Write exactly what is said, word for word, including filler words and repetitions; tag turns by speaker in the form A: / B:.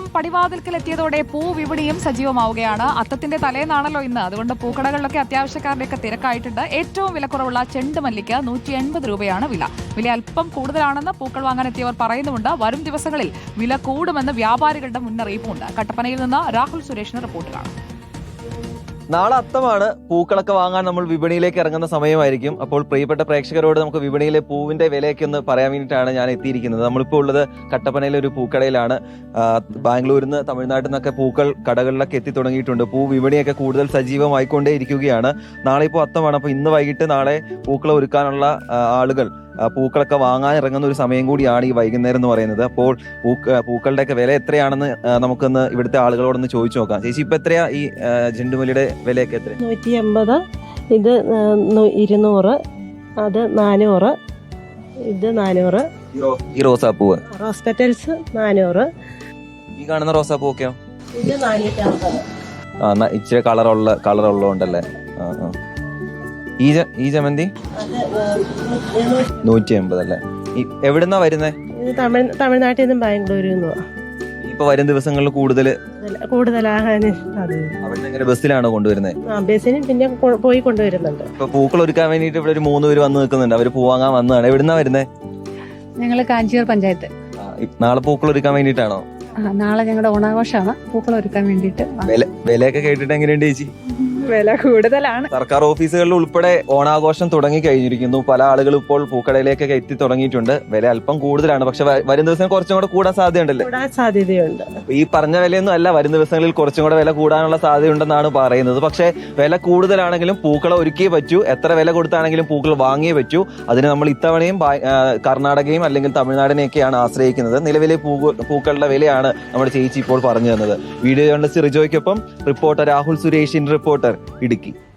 A: ഓണം പടിവാതിൽക്കൽ എത്തിയതോടെ പൂവിപണിയും സജീവമാവുകയാണ്. അത്തത്തിന്റെ തലേന്നാണല്ലോ ഇന്ന്. അതുകൊണ്ട് പൂക്കടകളിലൊക്കെ അത്യാവശ്യക്കാരുടെയൊക്കെ തിരക്കായിട്ടുണ്ട്. ഏറ്റവും വിലക്കുറവുള്ള ചെണ്ടുമല്ലിക്ക് നൂറ്റി എൺപത് രൂപയാണ് വില. വില അല്പം കൂടുതലാണെന്ന് പൂക്കൾ വാങ്ങാൻ എത്തിയവർ പറയുന്നുമുണ്ട്. വരും ദിവസങ്ങളിൽ വില കൂടുമെന്ന് വ്യാപാരികളുടെ മുന്നറിയിപ്പുമുണ്ട്. കട്ടപ്പനയിൽ നിന്ന് രാഹുൽ സുരേഷിന് റിപ്പോർട്ട് കാണാം.
B: നാളെ അത്തമാണ്. പൂക്കളൊക്കെ വാങ്ങാൻ നമ്മൾ വിപണിയിലേക്ക് ഇറങ്ങുന്ന സമയമായിരിക്കും. അപ്പോൾ പ്രിയപ്പെട്ട പ്രേക്ഷകരോട് നമുക്ക് വിപണിയിലെ പൂവിന്റെ വിലയൊക്കെ ഒന്ന് പറയാൻ വേണ്ടിയിട്ടാണ് ഞാൻ എത്തിയിരിക്കുന്നത്. നമ്മളിപ്പോൾ ഉള്ളത് കട്ടപ്പനയിലെ ഒരു പൂക്കടയിലാണ്. ബാംഗ്ലൂരിൽ നിന്ന് തമിഴ്നാട്ടിൽ നിന്നൊക്കെ പൂക്കൾ കടകളിലൊക്കെ എത്തി തുടങ്ങിയിട്ടുണ്ട്. പൂ വിപണിയൊക്കെ കൂടുതൽ സജീവമായിക്കൊണ്ടേ ഇരിക്കുകയാണ്. നാളെ ഇപ്പോൾ അത്തമാണ്. അപ്പോൾ ഇന്ന് വൈകിട്ട് നാളെ പൂക്കൾ ഒരുക്കാനുള്ള ആളുകൾ പൂക്കളൊക്കെ വാങ്ങാൻ ഇറങ്ങുന്ന ഒരു സമയം കൂടിയാണ് ഈ വൈകുന്നേരം എന്ന് പറയുന്നത്. അപ്പോൾ പൂക്ക പൂക്കളുടെ ഒക്കെ വില എത്രയാണെന്ന് നമുക്കൊന്ന് ഇവിടുത്തെ ആളുകളോടൊന്ന് ചോദിച്ചു നോക്കാം. ചേച്ചി, ഇപ്പൊ എത്രയാ ഈ ചെണ്ടുമല്ലിയുടെ വിലയൊക്കെ? എത്ര?
C: നൂറ്റി എൺപത്, ഇത് ഇരുന്നൂറ്, അത് നാനൂറ്, ഇത് നാനൂറ്.
B: ഈ റോസാപ്പൂവ്
C: റോസ് പെറ്റൽസ് നാനൂറ്.
B: ഈ കാണുന്ന റോസാപ്പൂവൊക്കെയോ?
C: ഇത് നാനൂറ്റി അമ്പത്.
B: ആ, ഇച്ചിരി കളറുള്ള കളറുള്ളതുകൊണ്ടല്ലേ. ആ ആ ഈ ഈ ജമന്തി നൂറ്റി എൺപത് അല്ലേ? എവിടുന്നാ വരുന്നേ?
C: തമിഴ് തമിഴ്നാട്ടിൽ നിന്നും ബാംഗ്ലൂരിൽ നിന്നും.
B: ഇപ്പൊ വരും ദിവസങ്ങളിൽ കൂടുതൽ
C: കൂടുതലാകാൻ
B: ബസ്സിലാണോ കൊണ്ടുവരുന്നത്?
C: ബസ്സിനും പിന്നെ പോയി കൊണ്ടുവരുന്നുണ്ട്.
B: ഇപ്പൊ പൂക്കൾ ഒരുക്കാൻ വേണ്ടിട്ട് ഇവിടെ ഒരു മൂന്ന് പേര് വന്ന് നിൽക്കുന്നുണ്ട്. അവര് പൂ വാങ്ങാൻ വന്നതാണ്. എവിടുന്നാ വരുന്നേ?
D: ഞങ്ങള് കാഞ്ചിയൂർ പഞ്ചായത്ത്.
B: നാളെ പൂക്കൾ ഒരുക്കാൻ വേണ്ടിട്ടാണോ?
D: നാളെ ഞങ്ങളുടെ ഓണാഘോഷമാണ്. പൂക്കൾ ഒരുക്കാൻ വേണ്ടിട്ട്.
B: വിലയൊക്കെ കേട്ടിട്ട് എങ്ങനെയുണ്ട് ചേച്ചി?
D: വില കൂടുതലാണ്.
B: സർക്കാർ ഓഫീസുകളിൽ ഉൾപ്പെടെ ഓണാഘോഷം തുടങ്ങി കഴിഞ്ഞിരിക്കുന്നു. പല ആളുകളും ഇപ്പോൾ പൂക്കടയിലേക്കൊക്കെ എത്തി തുടങ്ങിയിട്ടുണ്ട്. വില അല്പം കൂടുതലാണ്. പക്ഷെ വരും ദിവസം കുറച്ചും കൂടെ കൂടാൻ സാധ്യതയുണ്ടല്ലേ?
C: സാധ്യതയുണ്ട്.
B: ഈ പറഞ്ഞ വിലയൊന്നും അല്ല, വരും ദിവസങ്ങളിൽ കുറച്ചും കൂടെ വില കൂടാനുള്ള സാധ്യതയുണ്ടെന്നാണ് പറയുന്നത്. പക്ഷെ വില കൂടുതലാണെങ്കിലും പൂക്കളെ ഒരുക്കിയേ പറ്റൂ. എത്ര വില കൊടുത്താണെങ്കിലും പൂക്കൾ വാങ്ങിയേ പറ്റൂ. അതിന് നമ്മൾ ഇത്തവണയും കർണാടകയും അല്ലെങ്കിൽ തമിഴ്നാടിനെയൊക്കെയാണ് ആശ്രയിക്കുന്നത്. നിലവിലെ പൂക്കളുടെ വിലയാണ് നമ്മുടെ ചേച്ചി ഇപ്പോൾ പറഞ്ഞു തന്നത്. വീഡിയോ ജേർണലിസ്റ്റ് റിജോയ്ക്കൊപ്പം റിപ്പോർട്ടർ രാഹുൽ സുരേഷിൻ, റിപ്പോർട്ടർ ഇടുക്കി.